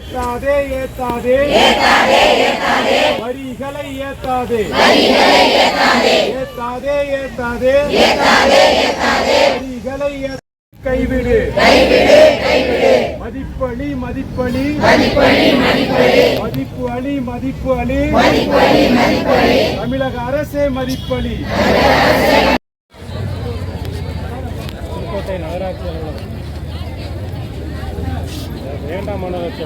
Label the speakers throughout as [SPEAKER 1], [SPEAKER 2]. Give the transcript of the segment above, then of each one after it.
[SPEAKER 1] ஏத்தாதே ஏத்தாதே வரிகளை ஏத்தாதே ஏத்தாதே ஏத்தாதே வரிகளை கைவிடு மதிப்பளி மதிப்பளி மதிப்பு அளி மதிப்பு அளி தமிழக அரசே மதிப்பளி. புதுக்கோட்டை நகராட்சி வேண்டாம் மாநகராட்சி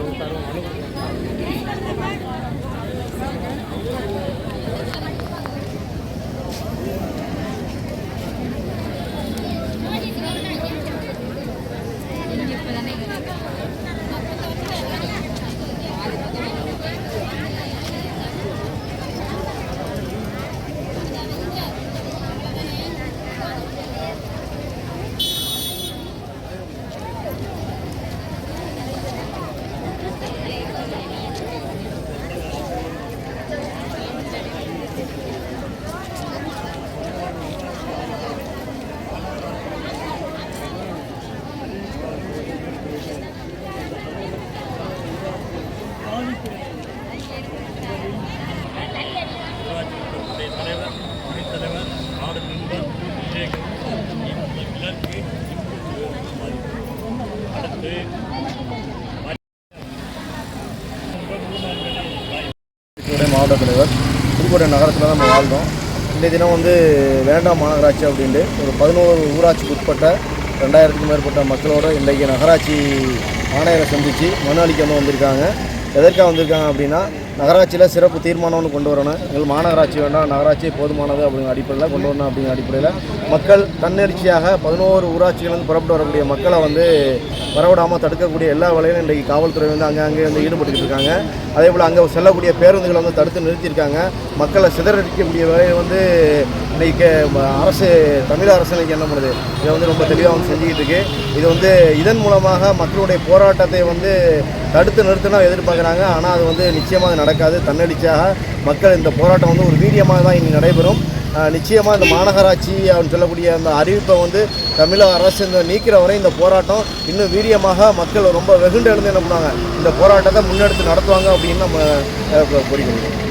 [SPEAKER 2] மாவட்ட தலைவர். புதுக்கோட்டை நகரத்தில் தான் நம்ம வாழ்ந்தோம். இன்றைய தினம் வேண்டாம் மாநகராட்சி அப்படின்ட்டு ஒரு 11 ஊராட்சிக்கு உட்பட்ட 2000க்கும் மேற்பட்ட மக்களோட இன்றைக்கு நகராட்சி ஆணையரை சந்தித்து மனு அளிக்க வந்திருக்காங்க. எதற்காக வந்திருக்காங்க அப்படின்னா, நகராட்சியில் சிறப்பு தீர்மானம்னு கொண்டு வரணும், எங்கள் மாநகராட்சி வேண்டாம், நகராட்சி போதுமானது அப்படிங்கிற அடிப்படையில் கொண்டு வரணும். அப்படிங்கிற அடிப்படையில் மக்கள் தன்னெழுச்சியாக 11 ஊராட்சிகளிலிருந்து புறப்பட்டு வரக்கூடிய மக்களை வரவிடாமல் தடுக்கக்கூடிய எல்லா வேலையும் இன்றைக்கு காவல்துறை அங்கே ஈடுபட்டுக்கிட்டு இருக்காங்க. அதே போல் அங்கே செல்லக்கூடிய பேருந்துகளை தடுத்து நிறுத்தியிருக்காங்க. மக்களை சிதறடிக்கக்கூடிய வேலையை இன்றைக்கு அரசு, தமிழக அரசு இன்றைக்கி என்ன பண்ணுது, இதை ரொம்ப தெளிவாக செஞ்சுக்கிட்டு இருக்கு. இது இதன் மூலமாக மக்களுடைய போராட்டத்தை தடுத்து நிறுத்தினா எதிர்பார்க்குறாங்க. ஆனால் அது நிச்சயமாக நடக்காது. தன்னெழுச்சியாக மக்கள் இந்த போராட்டம் ஒரு வீரியமாக தான் இனி நடைபெறும். நிச்சயமாக இந்த மாநகராட்சி அப்படின்னு சொல்லக்கூடிய அந்த அறிவிப்பை தமிழக அரசு நீக்கிற வரை இந்த போராட்டம் இன்னும் வீரியமாக மக்கள் ரொம்ப வெகுண்டு எழுந்து என்ன பண்ணுவாங்க, இந்த போராட்டத்தை முன்னெடுத்து நடத்துவாங்க அப்படின்னு நம்ம கோரிக்கை.